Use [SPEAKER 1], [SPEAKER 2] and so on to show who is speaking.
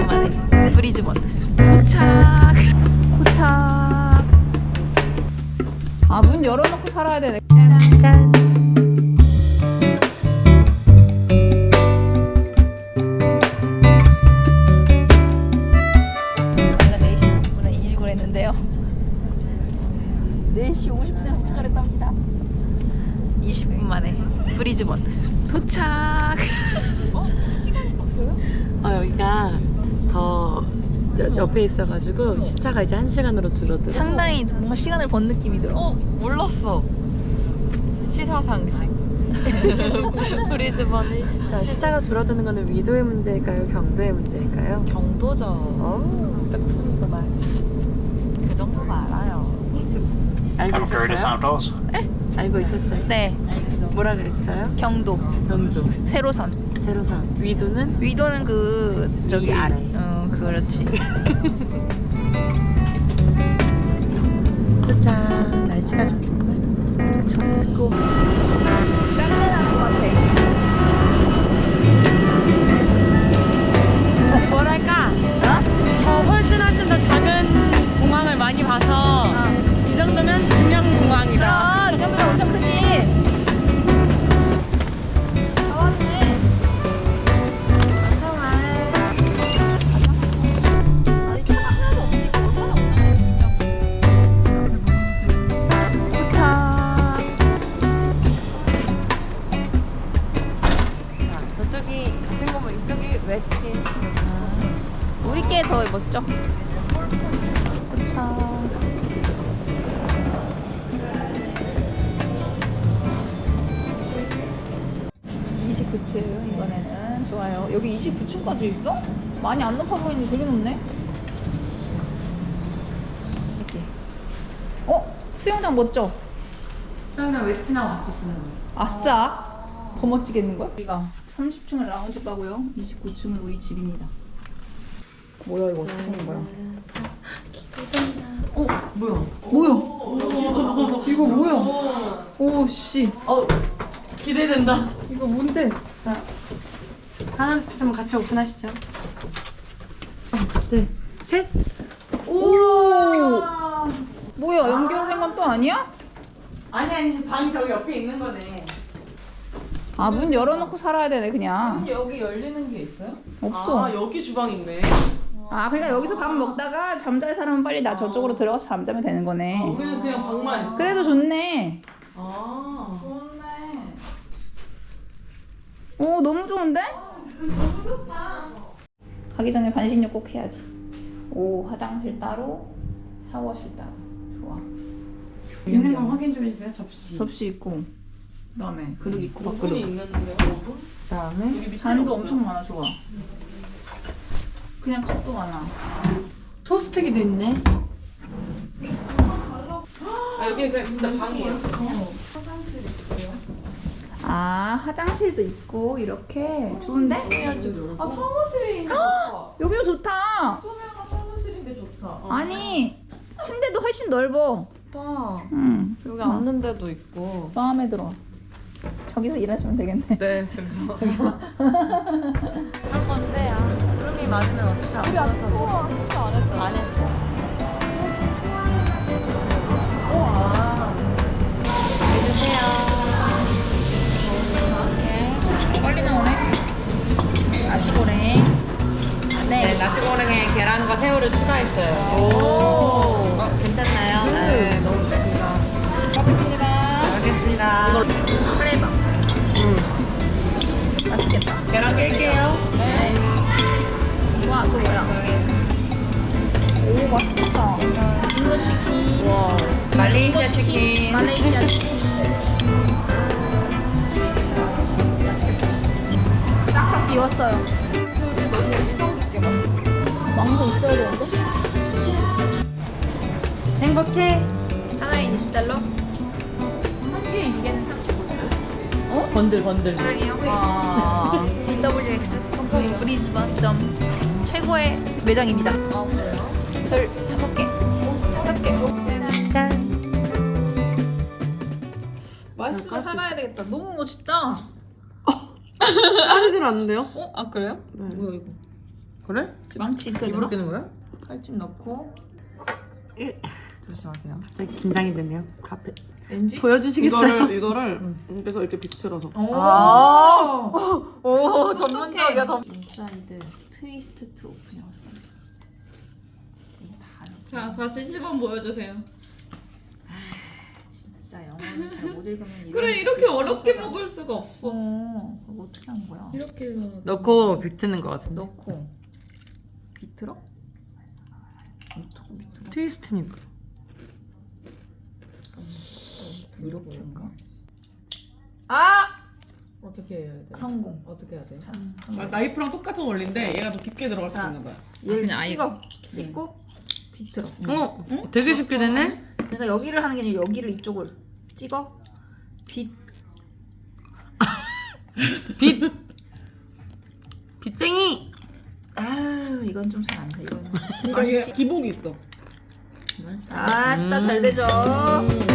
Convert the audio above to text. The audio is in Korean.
[SPEAKER 1] 만에 브리즈번 도착. 아, 문 열어놓고 살아야 되네. 짠. 원래 4시 50분에 일을 했는데요. 4시 50분에 도착을 했답니다. 20분 만에 브리즈번 도착. 시간이 바뀌어요?
[SPEAKER 2] 여기가 더 옆에 있어가지고 시차가 이제 1시간으로 줄어들어.
[SPEAKER 1] 상당히 뭔가 시간을 번 느낌이 들어.
[SPEAKER 2] 몰랐어. 시사상식. 브리즈번이 시차가 줄어드는 거는 위도의 문제일까요? 경도의 문제일까요? 경도죠. 딱 무슨 말. 그 정도는 알아요. 알고 있었어요? 알고 있었어요?
[SPEAKER 1] 네,
[SPEAKER 2] 뭐라 그랬어요?
[SPEAKER 1] 경도,
[SPEAKER 2] 경도.
[SPEAKER 1] 세로선.
[SPEAKER 2] 세로선. 위도는?
[SPEAKER 1] 위도는 그 저기
[SPEAKER 2] 아래.
[SPEAKER 1] 그렇지.
[SPEAKER 2] 도착. 날씨가 춥고
[SPEAKER 1] 짠내 나는 것 같아.
[SPEAKER 2] 뭐랄까
[SPEAKER 1] 어?
[SPEAKER 2] 훨씬 더 작은 공항을 많이 봐서 이 정도면 중량공항이다.
[SPEAKER 1] 이 정도면 엄청 크지. 다 왔네. 아니, 차가 하나도 없으니까 얼마나 도착.
[SPEAKER 2] 저쪽이 같은 거면 이쪽이 웨스틴.
[SPEAKER 1] 우리 게 더 멋져. 도착. 29층 이번에는 좋아요. 여기 29층까지 있어? 많이 안 높아 보이는데 되게 높네. 이렇게. 수영장 멋져.
[SPEAKER 2] 수영장 웨스틴하고 같이 쓰는 거.
[SPEAKER 1] 아싸. 더 멋지겠는 걸? 우리가 30층을 라운지 가고요. 29층은 우리 집입니다. 뭐야 이거 어떻게 생긴 거야?
[SPEAKER 2] 뭐야?
[SPEAKER 1] 뭐야? 이거 뭐야? 오 씨.
[SPEAKER 2] 기대된다.
[SPEAKER 1] 이거 뭔데?
[SPEAKER 2] 하나 둘셋 같이 오픈하시죠. 네. 셋.
[SPEAKER 1] 오. 뭐야 연결된 건 또 아니야?
[SPEAKER 2] 아니 방이 저기 옆에 있는 거네.
[SPEAKER 1] 아, 문 열어놓고 살아야 되네 그냥.
[SPEAKER 2] 여기 열리는 게 있어요?
[SPEAKER 1] 없어.
[SPEAKER 2] 여기 주방 있네.
[SPEAKER 1] 그러니까 여기서 밥 먹다가 잠잘 사람은 빨리 나 저쪽으로 들어가서 잠자면 되는 거네.
[SPEAKER 2] 우리는 그냥 방만 있어.
[SPEAKER 1] 그래도 좋네.
[SPEAKER 2] 좋네.
[SPEAKER 1] 오, 너무 좋은데? 가기 전에 반신욕 꼭 해야지. 오, 화장실 따로, 샤워실 따로. 좋아.
[SPEAKER 2] 있는 거 확인 좀 해주세요.
[SPEAKER 1] 접시 있고, 그다음에 그릇 있고,
[SPEAKER 2] 오븐이
[SPEAKER 1] 밥그릇.
[SPEAKER 2] 있는데 오븐?
[SPEAKER 1] 그다음에 잔도 엄청 많아. 좋아. 그냥 컵도 많아.
[SPEAKER 2] 토스트기도 있네. 여기 그냥 진짜 방이에요.
[SPEAKER 1] 화장실도 있고 이렇게 좋은데?
[SPEAKER 2] 사무실이 있는 거.
[SPEAKER 1] 여기가 좋다.
[SPEAKER 2] 처음에가 사무실인데 좋다.
[SPEAKER 1] 아니, 침대도 훨씬 넓어.
[SPEAKER 2] 좋다.
[SPEAKER 1] 응.
[SPEAKER 2] 여기 앉는 데도 있고.
[SPEAKER 1] 마음에 들어. 저기서 일하시면 되겠네.
[SPEAKER 2] 네, 저기서. 할 건데, 구름이 맞으면 어떡해. 우리 안 했어. 안 했어. 안 했어. 해주세요.
[SPEAKER 1] 빨리 나오네. 나시고랭.
[SPEAKER 2] 네, 나시고랭에 계란과 새우를 추가했어요.
[SPEAKER 1] 오.
[SPEAKER 2] 괜찮나요? 네, 너무 좋습니다.
[SPEAKER 1] 먹겠습니다.
[SPEAKER 2] 알겠습니다.
[SPEAKER 1] 프레이밥. 맛있겠다.
[SPEAKER 2] 계란 깰게요. 네.
[SPEAKER 1] 와, 또 뭐야? 오, 맛있겠다. 인도 치킨.
[SPEAKER 2] 와, 말레이시아 치킨.
[SPEAKER 1] 말레이시아 치킨. 싹싹 비웠어요.
[SPEAKER 2] 너무 인상 깊게 맛있어.
[SPEAKER 1] 망고 있어야 되는데?
[SPEAKER 2] 행복해.
[SPEAKER 1] 하나에 20달러? 한 개에 이게는 35달러.
[SPEAKER 2] 번들.
[SPEAKER 1] 사랑해요. BWX 브리즈번 점 최고의 매장입니다.
[SPEAKER 2] 그래요?
[SPEAKER 1] 별 5개. 5개.
[SPEAKER 2] 짠.
[SPEAKER 1] 맛있으면 살아야 되겠다. 너무 멋있다.
[SPEAKER 2] 빠지질 않는데요?
[SPEAKER 1] 그래요?
[SPEAKER 2] 네.
[SPEAKER 1] 뭐야 이거?
[SPEAKER 2] 그래?
[SPEAKER 1] 망치 있어야
[SPEAKER 2] 입으로
[SPEAKER 1] 되나?
[SPEAKER 2] 끼는 거야?
[SPEAKER 1] 칼집 넣고.
[SPEAKER 2] 조심하세요. 갑자기 긴장이 되네요. 카페.
[SPEAKER 1] 왠지?
[SPEAKER 2] 보여주시겠어요?
[SPEAKER 3] 이거를 그래서 이렇게 비틀어서.
[SPEAKER 2] 아. 오, 전문적이야,
[SPEAKER 1] 인사이드 트위스트 투 오픈이라고 써있어. 이게 다
[SPEAKER 4] 자, 다시 시범 보여주세요.
[SPEAKER 1] 진짜 영어를 잘 못 읽으면 이런
[SPEAKER 4] 그래, 이렇게 어렵게 먹을 수가 없어.
[SPEAKER 1] 그거 어떻게 하는 거야?
[SPEAKER 4] 이렇게 해서
[SPEAKER 2] 넣고 비트는 거 같은데.
[SPEAKER 1] 넣고 비틀어? 어떻게 비틀어?
[SPEAKER 2] 트위스트니까.
[SPEAKER 1] 이렇게인가? 아!
[SPEAKER 4] 어떻게 해야 돼?
[SPEAKER 1] 성공.
[SPEAKER 4] 어떻게 해야 돼?
[SPEAKER 1] 자,
[SPEAKER 3] 나이프랑 똑같은 원리인데 얘가 더 깊게 들어갈 수
[SPEAKER 1] 자.
[SPEAKER 3] 있나 봐요.
[SPEAKER 1] 얘를
[SPEAKER 4] 그냥 아예-
[SPEAKER 1] 찍어. 찍고 비틀어.
[SPEAKER 2] 되게 쉽게 되네?
[SPEAKER 1] 그러니까 여기를 하는 게 아니라 여기를 이쪽을 찍어.
[SPEAKER 2] 빗쟁이!
[SPEAKER 1] 아유 이건 좀 잘 안 돼. 이건
[SPEAKER 3] 그러니까 이게 기복이 있어.
[SPEAKER 1] 아따 잘 되죠.